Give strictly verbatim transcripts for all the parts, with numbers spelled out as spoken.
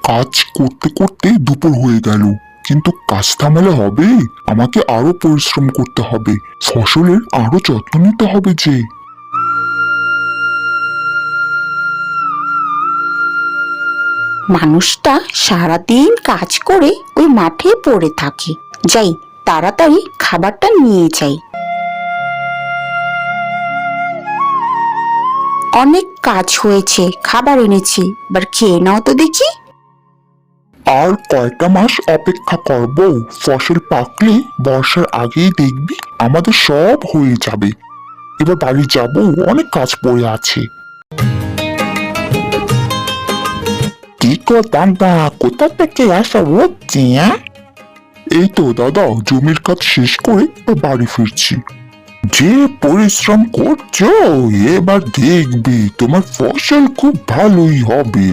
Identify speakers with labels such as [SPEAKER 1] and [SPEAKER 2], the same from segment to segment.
[SPEAKER 1] কাজ করতে করতে দুপুর হয়ে গেল, কিন্তু কাজ থামালে হবে। আমাকে আরো পরিশ্রম করতে হবে, ফসলের আরো যত্ন নিতে হবে যে।
[SPEAKER 2] মানুষটা সারাদিন কাজ করে ওই মাঠে পড়ে থাকে। যাই, তাড়াতাড়ি খাবারটা নিয়ে যাই। অনেক কাজ হয়েছে, খাবার এনেছি, এবার খেয়ে নাও তো দেখি।
[SPEAKER 1] আর কয়টা মাস অপেক্ষা করব, ফসল পাকলে বর্ষার আগেই দেখবি আমাদের সব হয়ে যাবে। এবার বাড়ি যাব, অনেক কাজ পড়ে আছে। কি কো দাদা, কোথা থেকে আসা হচ্ছে? এই তো দাদা, জমির কাজ শেষ করে বাড়ি ফিরছি। যে পরিশ্রম করছো, এবার দেখবি তোমার ফসল খুব ভালোই হবে।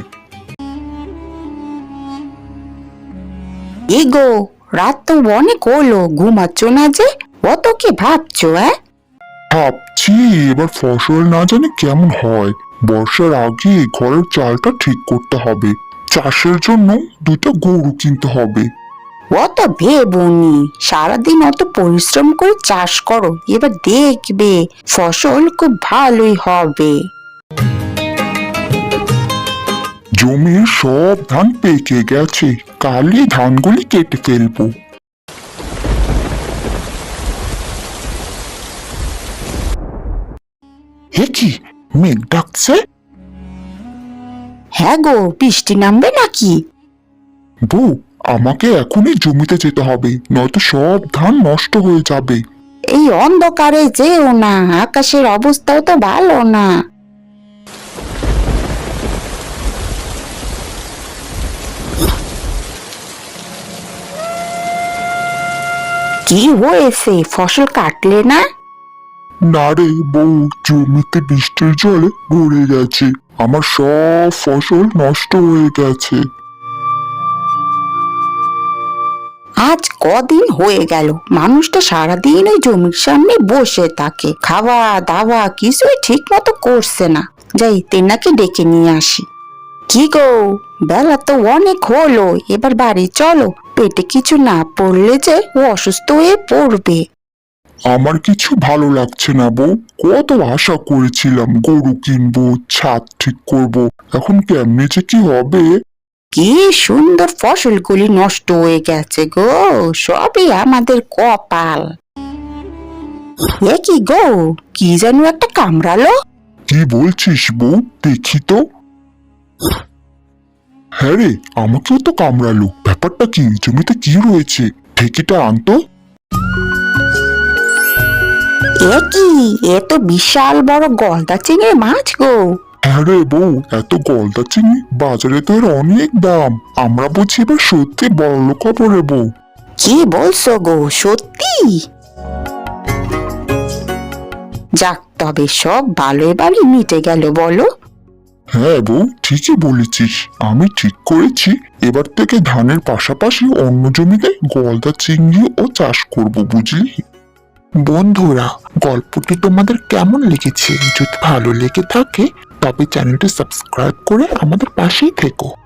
[SPEAKER 2] এগো, রাত তো অনেক হলো, ঘুমাচ্ছ না যে? অত কি ভাবছো? হ্যাঁ,
[SPEAKER 1] ভাবছি এবার ফসল না জানি কেমন হয়। বর্ষার আগে ঘরের চালটা ঠিক করতে হবে। চাষের জন্য দুটো গরু কিনতে হবে।
[SPEAKER 2] অত ভেবনি, সারাদিন অত পরিশ্রম করে চাষ করো, এবার দেখবে ফসল খুব ভালোই হবে।
[SPEAKER 1] জমির সব ধান পেকে গেছে, কালই ধানগুলি কেটে ফেলবো। হে কি, মেঘ ডাকছে?
[SPEAKER 2] হ্যাঁ গো, বৃষ্টি নামবে নাকি?
[SPEAKER 1] বউ, আমাকে এখনই জমিতে যেতে হবে, নয়তো সব ধান নষ্ট হয়ে যাবে।
[SPEAKER 2] এই অন্ধকারে যেও না, আকাশের অবস্থাও তো ভালো না। কি হয়েছে, ফসল কাটলে না?
[SPEAKER 1] না রে বউ, জমিতে বৃষ্টির জলে ভরে গেছে, আমার সব ফসল নষ্ট হয়ে গেছে।
[SPEAKER 2] আজ কদিন হয়ে গেল মানুষটা সারাদিন ওই জমির সামনে বসে থাকে, খাওয়া দাওয়া কিছুই ঠিক মতো করছে না। যাই, তেনাকে ডেকে নিয়ে আসি। কি গো, বেলা তো অনেক হলো, এবার বাড়ি চলো। পেটে কিছু না পড়লে যে ও অসুস্থ হয়ে পড়বে।
[SPEAKER 1] আমার কিছু ভালো লাগছে না বউ, কত আশা করেছিলাম গরু কিনবো, ছাদ ঠিক করব, এখন কেমনে যে কি হবে।
[SPEAKER 2] কি সুন্দর ফসলগুলি নষ্ট হয়ে গেছে গো, সবই আমাদের কপাল। এ কি গো, কি যেন একটা কামড়ালো।
[SPEAKER 1] কি বলছিস বউ, দেখি তো। হ্যাঁ রে, আমাকেও তো কামড়ালো। ব্যাপারটা কি, জমিতে কি রয়েছে? ঠেকিটা আনতো।
[SPEAKER 2] এ কি, এ তো বিশাল বড় গলদা চিংড়ি মাছ গো।
[SPEAKER 1] হ্যাঁ রে বউ, এত গলদা চিংড়ি বাজারে তো এর অনেক দাম। আমরা বুঝি এবার সত্যি বড়লোক হবো রে বউ।
[SPEAKER 2] কি বলছো গো, সত্যি? যাক, তবে সব ভালো এবারই মিটে গেল বলো।
[SPEAKER 1] হ্যাঁ বউ, ঠিকই বলেছিস। আমি ঠিক করেছি এবার থেকে ধানের পাশাপাশি অন্য জমিতে গলদা চিংড়ি ও চাষ করব, বুঝলি? বন্ধুরা, গল্পটি তোমাদের কেমন লেগেছে? যদি ভালো লেগে থাকে তবে চ্যানেলটি সাবস্ক্রাইব করে আমাদের পাশেই থেকো।